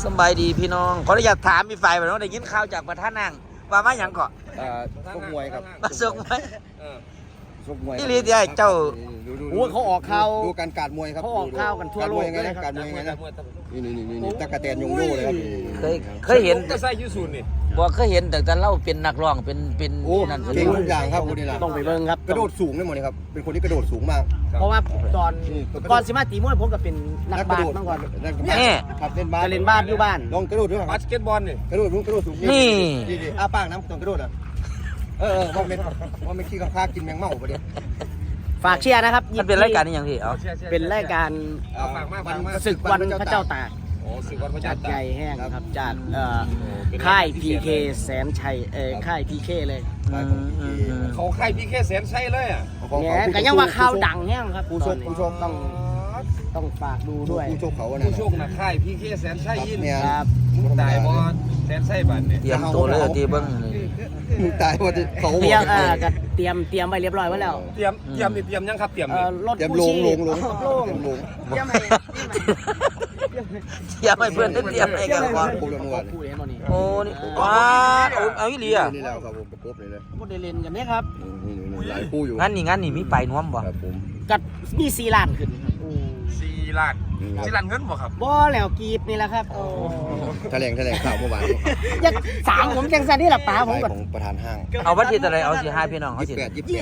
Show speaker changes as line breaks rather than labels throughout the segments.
สบายดีพี่น้องขออนุญาตถามพี่ฝ่ายว่าน้องได้ยินข่าวจากประธานนางว่ามาหยังเกาะ
ชกมวยครับ
มาส่งไหม
ชกมวย
นี่ลีเดียเจ้า
ดูเขาออกข่าวดูการการมวยครับ
เขาออกข่าวกันทั่วโลก
ยังไงนะการมวยยังไงนะนี่ตะกะแตนยงโย่เลยครับ
เคยเห็น
ก็ใส่ยูซูนนี่
บอกเคยเห็นแต่เล่าเป็นนักร้องเป็น
โอ้
นั่น
เก่งทุกอย่างครับคนนี้ล่ะ
ต้องไปเบิ่งครับ
กระโดดสูงได้หมดเลยครับเป็นคนที่กระโดดสูงมาก
เพราะว่าก่อนสิมาตีมวยผมก็เป็นนัก
ก
บา
ระ
ส
โดด
มาก่อน
นี่
ครับเล่นบาส
ก็เล่นบาสอยู่บ้าน
ลองกระโดดด้วยครับ
บาสเกตบอลนี่
กระโดดสูง
นี่
อ้าปากน้ำต้องกระโดดอ่ะว่าไม่ขี้ข้ากินแมงเม่าปะเดี๋ยว
ฝากเชียร์นะครับ
มันเป็นรายการนี่ยังพี่เอา
เป็นรายการ ศึกวันพระเจ้าตาก
โอ้สึกวันพระ
จั
เจ้า
ด
ตา
ใหญ่แห้งครับจัดค่าย PK แสนชัยค่าย PK เลย
เขาใครพี่แค่แสนใช่เลยอ่ะ
เนี่ยก็ยังว่าข่าวดังแห้งครับ
ผู้ชม
ต้องฝากดูด้วย
ผู้ชมเขา
ผู้โชคนะค่ายพี่แค่แสนใช่ยิน
เนี่ย
ครับ
มึงตายบอลแสนใช่บันเนี่ย
เตรียมตัวเลยตีเบิ้ง
มึงตายว่าเขา
เตรียมก็เตรียมไว้เรียบร้อยไว้แล้ว
เตรียมยังครับเตรียมนี่
รถ
เตรียม
กู้
ล
ชี
ง
พ
ลง
โล่ง
ลง
เตรียมให้
เตรียมให้เพื่อนได้เตรียมให้กันก่อน
ผมลงวัน
พูดเห็นบ่นี่
โอ้นี่ว้าเอาอีหลีอ่ะ
นี่แล้วครับผมประกบเลยเลย
พูดได้เล่นกันเนี่ยครับ
นี่หลายคู่อยู่
งั้นนี่มีไปน้วมบ่
ครับผม
กัดมี4ล้านขึ้น
4 ล้าน4 ล้านเงินบ่ครับ
บ่แล้วกีบนี่แหละครับโอ้
แถลงข่าวเมื่อวาน
ยักสามผมจังสันนี่แหละป๋าผม
ฝ่าย
ก็
ของประธานห้าง
เอาวันที่อะไรเอาสิให้พี่น้องเขาสิ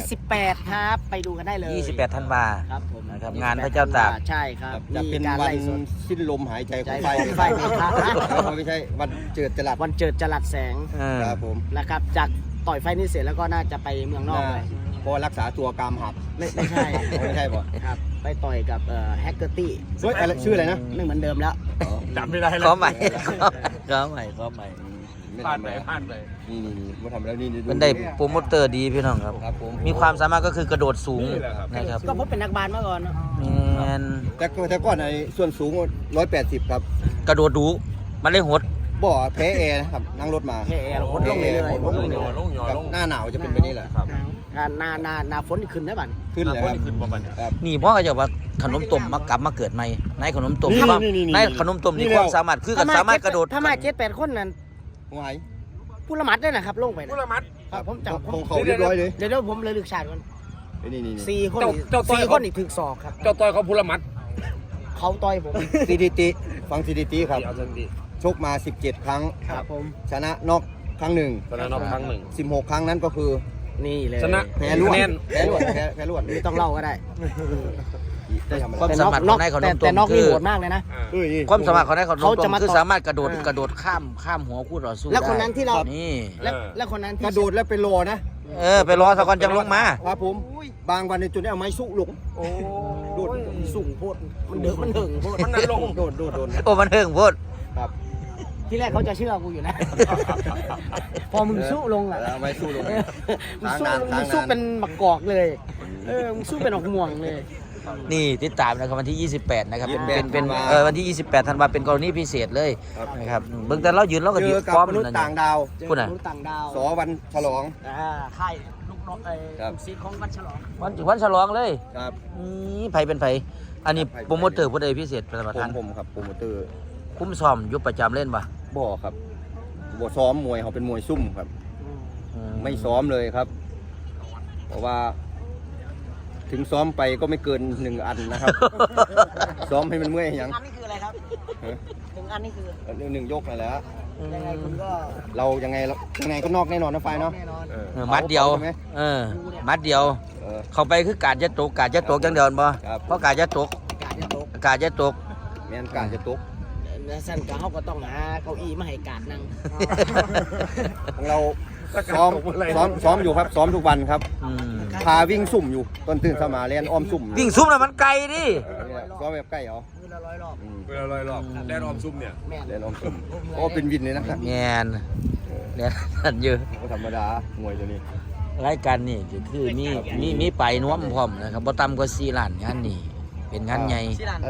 28ครับไปดูกันได้เลย
28ธันวา
ครับผม
นะครับงานพระเจ้าตาก
ใช่ครับ
จะเป็น
มีการ
วัน
ไล่สด
สิ้นลมหายใจของ
ไฟไฟพระนะ
ไม่ใช่วันเจิดจรัส
วันเจิดจรัสแสง
ครับผม
นะครับจากต่อยไฟนี่เสร็จแล้วก็น่าจะไปเมืองนอกเลย
เพราะรักษาตัวกรามหัก
ไม่ใช่
ไม่ใช่ป่ะ
ครับไปต่อยกับแฮกเกอร์ตี้
เฮ้ยอะไรชื่ออะไรนะ
ไม่เหมือนเดิมแล้ว
จำไม่ได้
ข
แล้ว
อใหม่ขอใหม่
ผ่านไปผ่านไป
นี่มาทำแล้วนี่
มันได้โปรโมเตอร์ดีพี่น้องครับ
ครับผม
มีความสามารถก็คือกระโดดสูงนะครับ
ก็ผมเป็นนักบาสมาก่อนเนอะ
แมน
แต่ก่อนในส่วนสูง180ครับ
กระโดดดูมันเลยหด
บ่อแพ้แอร์นะครับนั่งรถมา
แค่แอร์เราพ้นลงเลยๆ
ลงหยอลง
หน้าหนาวจะเป็นแบบนี้แหละ
ครับ
หน้าฝนนี่ขึ้นได้บ้าน
ขึ้นเลยครับ
ขึ้นประมาณ
ครับ
นี่พ่อก็จะว่าขนมต้มมากลับมาเกิดใหม่ในขนมต้ม
นี่
ความ
นี่
ในขนมต้มนี่ความสามารถคือกันสามารถกระโดด
ถ้ามา7-8คนนั้น
หวาย
ผู้ละหมัดด้วยนะครับลงไป
ผู้
นะ
ละมัด
ครับผมจับ
ของเขาเรียบร้อยเลย
เดี๋ยวผมเลยลึกชาติก่อน
นี่
4 คนสี่คนอีกถึงศอกครับ
เจ้าต่อยเขาผู้ละมัด
เขาต่อยผม
สถิติฟังสถิติครับ
เอาสักที
ชกมา17ครั้ง
ครับผม
ชนะน็อกครั้งหนึ่ง
ชนะน็อกครั้งหนึ่ง
16ครั้งนั้นก็คือ
นี่เลย
ชนะ
แพ้รวด
คะแนน
แพ้รวด
ไม่ต้องเล่าก็ได้
ได้ทำอะไร
ความสามารถของในขนมต้
แต่
ม
นอก
คื
นี่
อ
โหดมากเลยนะ
ความสามารถของในขนม
เขา
ต้
จะ
ม
มา
คือ
ต่อ
สามารถกระโดดข้ามหัวคู่ต่อสู้
แล้วคน
ได้
นั้นที่เรา
นี่
แล้วคนนั้นที่
กระโดดแล้วเป็นโลนะ
ไปรอสักวันจังลงมา
ครับผมบางวันในจุดนี้เอาไม้สู้ลง
โอ้
โดด
สูงโพดมันเดือดมันหึงโพด
มันนั่นลง
โดด
โอ้มันเฮิงโพด
ครับ
ที่แรกเขาจะเชื่อกูอยู่นะ พอมึงสู้ลงอ่ะ
เอาไม้สู้ลง
มึงสู้เป็นหมักกอกเลยมึงสู้เป็นออกม่วงเลย
นี่ติดตามนะครับวันที่ 28 นะครับเป็น
28
วันที่ 28 ธันวาเป็นกรณีพิเศษเลยนะครับเบิ่งแต่เรายืนเราก็
เจ
ยื
อน กับ
พร้อม
มนุษย์
นั่น
ต่างดาว
เจอ
พูดน่ะ
มนุษย์ต่างดาว
สอวันฉลอง
ค่ายลูกน้อง
ครับ
ซีของวัดฉลอง
วันฉลองเลย
ครับ
นี่ไผเป็นไผอันนี้โปรโมเตอร์ผู้ใดพิเศษเป็นประธาน
ผมครับโปรโมเตอร์
คุ้มซ้อมยุบประจำเล่นป่ะ
บ่ครับบ่ซ้อมมวยเขาเป็นมวยซุ่มครับ ไม่ซ้อมเลยครับ เพราะว่า ถึงซ้อมไปก็ไม่เกิน1 อันนะครับ ซ้อมให้มันเมื่อยอย่าง
อันนี้คืออะไรครับ1 อันนี่คือ
1 ยกนั่นแหละ
ยังไงคุณก็
เรายังไงก็นอกแน่นอนนะไฟเนาะ
แน่นอน
มัดเดียว
ใช่ไหม
มัดเดียว เข้าไปคือกาดจะตกจังเดินบ่
ครับ
เพราะกาดจะตก
การจะตก
กาดจะตก
แม่นการจะตก
สั้นก็เขาก็ต้องหาเก้าอี้มาให้การนั่ง
ของเราซ้อมอยู่ครับ ซ้อมทุกวันครับ
อืม
พาวิ่งสุ่มอยู่ตอนตื่นสมาเรียนอ้อมสุ่มอยู่
วิ่งซุ้มน่ะมันไกลดิ
ซ้อมแบบใกล้เหรอ
มือละ100 รอบ
เวลาลอยรอบแดนออมซุ่มเนี่ย
แม่น
เรียนอ้อมสุ่มโอ้เป็นวินเลยนะครับ
แงนเนี่ยนั่นอยู่
ก็ธรรมดามวยตัวนี้
รายการนี่ก็คือมีไปน้วมพร้อมนะครับบ่ต่ำกว่า4 ล้านงานนี่เป็นงานใหญ่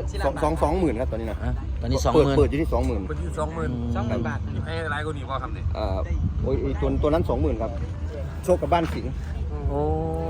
20,000ครับตอนนี้นะ
ตอนนี้
เปิดอยู่ที่ 20,000
เป็นที่20,000
บาท
ให้หลายกว่านี้พอทำเนี่ย
โอ้ยตัวนั้น 20,000ครับโชคกับบ้านสิงห์
โอ้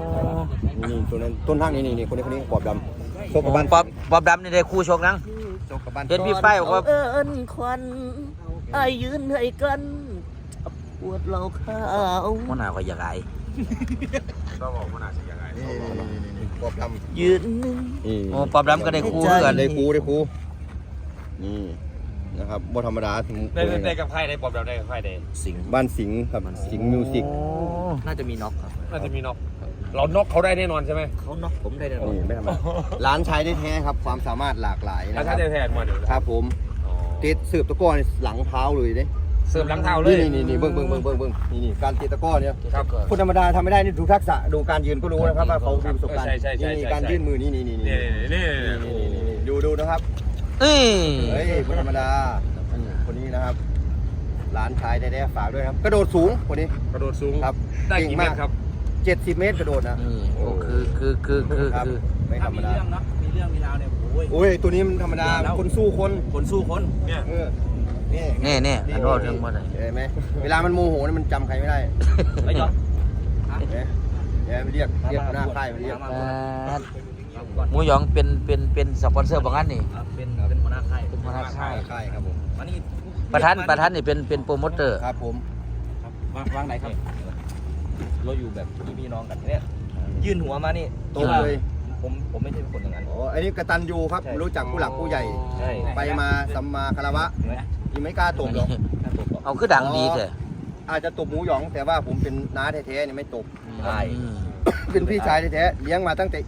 นี่ตัวนั้นต้นทางนี่คนนี้ปอบดำโชคกับบ้าน
ปอบดำนี่ได้คู่ชกนัง
จบกับบ้าน
เห็นพี่ฝ้ายบอกว่า
เอิ้นควันไอ้ยืนให้กันปวดเราข้าว
หัวหน้าก็อยากไอ้
ต้องบอกว่าน่าจะยังไง
นี่ปอบดำ
ยืนหนึ่ง
นี่
โอ้ปอบดำก็ได้คู่ด้วยกัน
ได้ครูนี่นะครับบ่ธรรมดาถึง
ได้กับใครได้ปอบเราได้กับใครได้
สิง
บ้านสิงห์ครับสิงห์มิวสิก
น่าจะมีน็อกครับ
น่าจะมีน็อกเราน็อกเขาได้แน่นอนใช่ไหม
เขาน็อกผมได้แน่นอน
นี่ไม่ธรรมดาร้านชายได้แท้ครับความสามารถหลากหลาย
แล้ว
นะค
ถ้า
รับ
จะแทนมาเดี๋ยว
ครับผมติดสืบตะก้อนี่หลังเท้าเลยเด้
เสริมหลังเท้าเลย
นี่เบิ่งนี่การตีตะก้อเนี่ย
ครับ
คนธรรมดาทำไม่ได้นี่ดูทักษะดูการยืนก็รู้นะครับว่าเขามีประสบการณ์
ใช่
นี่การยื่นมือนี่
นี่
ดูนะครับ
นี่
เฮ้ยคนธรรมดาคนนี้นะครับหลานชายได้ฝากด้วยครับกระโดดสูงคนนี้
กระโดดสูง
ครับ
ได้กี่เมตรครับ
70 เมตรกระโดดนะ
นี่โอ้คือ
ครับไม่ธรรมดา
มีเรื่องมีราวเนี่ยโอ้ย
โอ้ยตัวนี้มันธรรมดาคนสู้คน
คนสู้คน
เนี่ย
นี่อันรอดเรื่องมาได้
เห็นไหมเวลามันโมโหนี่มันจำใครไม่ได้
ไอ้ยอด
เนี่ยมันเรียกหน้าค่ายมันเรียก
หมูหยองเป็นสปอนเซอร์บางอันนี่
เป็นหัวหน้าค่าย
เป็นหัวหน้าค่าย
ค่ายครับผม
วันนี้
ประธานนี่เป็นโปรโมเตอร์
ครับผม
วางไหนครับเราอยู่แบบพี่น้องกันเนี่ยยื่นหัวมานี่
ตรงเลย
ผมไม่ใช่คนอย่างนั้น
อ๋ออันนี้กตัญญูครับ รู้จักผู้หลักผู้ใหญ่
ใช่
ไปมาสัมมาคารวะยังไม่กล้าตบหรอก
เอาคือดังดีเถอะ
อาจจะตบหมูหยอง แต่ว่าผมเป็นน้าแท้ๆนี่ไม่ตบ
ใช่
เป็นพี่ชายแท้ๆเลี้ยงมาตั้งแต่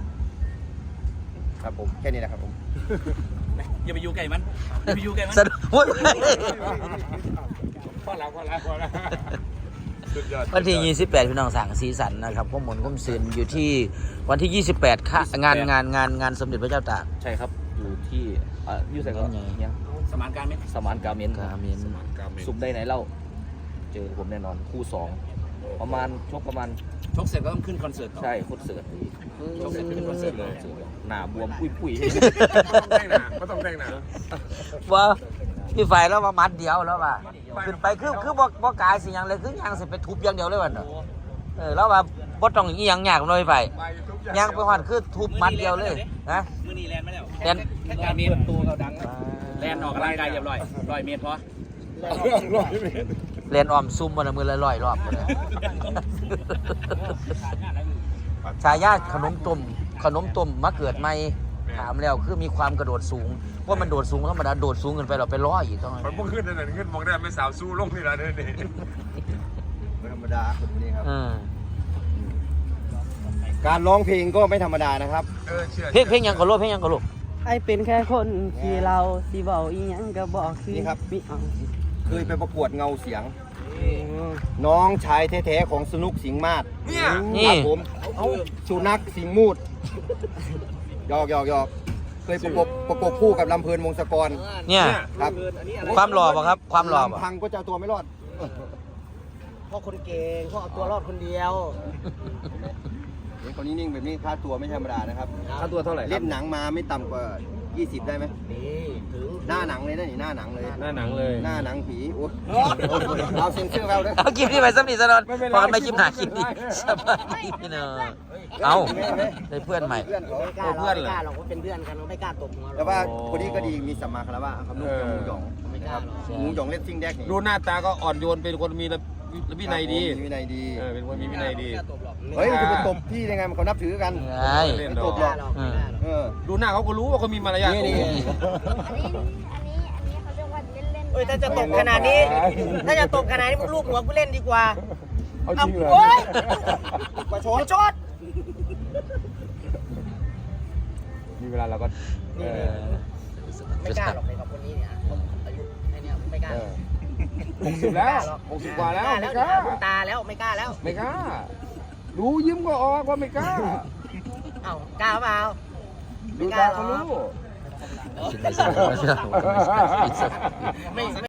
ครับผมแค่นี้แหละครับผม
อย่าไปอยู่ไกลมันอย่าไปอยู่ไกลมัน
สะดุด
พอแล้วสุดยอด
วันที่ 28 พี่น้องสั่งสีสันนะครับข้อมูลข้อมซืนอยู่ที่วันที่ 28 ค่ะงานสมเด็จพระเจ้าตาก
ใช่ครับอยู่ที่อยู่ใส่ก็ยังสมานการเมนสมานการเมน
กาเมน
สุบได้ไหนเล่าเจอผมแน่นอนคู่2ประมาณชกเสร็จก็ต้องขึ้นคอนเสิร์ตใช่คอนเสิร์ตชกเสร็จขึ้นคอนเสิร์ตเลยหน้าบวมปุย
ก็ต้องแต่งหนา
ว่าพี่ฝ่ายแล้วมามัดเดียวแล้วว่าขึ้นไปคือบ่กายสิหยังเลยคือหยังสิไปทุบอย่างเดียวเลยวันเนาะแล้วว่าบ่ต้องอีหยังยากเลยไปยังไปฮอดคือทุบมัดเดียวเลยนะ
มื้อนี้แลนด์มาแล้ว
แล่น
การเมนตัวเขาดังแลนด์ออกกำลังกายเรียบร้อย100 เมตรพอ
เล่นออมซุ่มวันละมือละ100 รอบเลยชายาขนมต้มมาเกิดใหม่ถามแล้วคือมีความกระโดดสูงว่ามันโดดสูงธรรมดาโดดสูงเกินไปเราไปร้อยอีกต้อง
มันพุ่งขึ้นนั่นขึ้นมองได้ไม่สาวสู้ลงนี่ละนี่
ไม่ธรรมดาคนนี้ครับ
อืม
การร้องเพลงก็ไม่ธรรมดานะครับ
เพลงยังก็ลูกเพลงยังก็ลูก
ไอเป็นแค่คนที่เราสิเบาอีหยังก็บอกคือ
นี่ครับ
มิเอา
เคยไปประกวดเงาเสียง น้องชายแท้ๆของสนุกสิงห์มาศ
เนี่ย
นี่
ครับผมสุนัขสิงห์มูดหยอกเคยประกบคู่กับลำเพลินวงศกร
เนี่ย
ครับ
ความหล่อป่ะครับ ความหล่อป่ะ
ลำพังก็จะเอาตัวไม่รอด
พ่อคนเก่งพ่อเอาตัวรอดคนเดียว
เห็นคนนี้นิ่งแบบนี้ค่าตัวไม่ธรรมดานะครับ
ค่าตัวเท่าไหร่
เล่นหนังมาไม่ต่ำกว่า 20 ได้ไหม
นี่ถึง
หน้าหนังเลยนะนี่หน้าหนังเลย
หน้าหนังเลย
หน้าหนังผีโอ้ยเอาเซ็นเซอร์เราด้วย
เอาคลิปนี้ไปสำนีสนอน
ไม่เป็นไร
พอไม่คลิปหนาคลิปนี้สบายดีพี่เนอะเอาได้เพื่อนใหม่
เพื่อนเขา
ไม่กล้า
เพื่อนเหรอ
ไม่กล้าหรอกว่าเป็นเพื่อนกันเราไม่กล้าตบหัว
แต่ว่าคนนี้ก็ดีมีสัมมาคารวะครับลูกหมูหยอง
ไม่กล้าหรอก
หมูหยองเล่นซิงแดกนี่
ดูหน้าตาก็อ่อนโยนเป็นคนมีวินัยดี
มีวินัยดี
เป็นคนมีวินัยดี
ไม่กล้าตบหรอก
เฮ้ยจะไปตบพี่ได้ไงมันเขานับถือกัน
ใช่
ไม่ตบ
ไม่
ห
ก
รอก
ล้าหรอกไม่กล้าหรอก
เออ
ดูหน้าเขาก็รู้ว่าเขามีมารยาท
นี่
อันนี้เขาเรียกว่าเล่น
เอ้ยถ้าจะตบขนาดนี้ ถ้าจะตบขนาดนี้มึงลูกหัวกูเล่นดีกว่า
เอาจริงเหรอ
โอ๊ย
ประช
โอ้
ด
ยชด
มีเวลาเราก็
ไม่กล้าหรอกเลยกับคนนี้เนี่ยอายุไอ้เนี่ยไม่กล้าหรอก
60แล้ว60กว่าแล้วไม่กล้า
ดวงตาแล้วไม่กล้าแล้ว
ไม่กล้ารู้ยิ้มก็ออกว่าไม่กล้า
เอ้ากล้าเปล่า
ดูตาเขารู้
คิดไม่ใช่ไม่ใช่
ไม่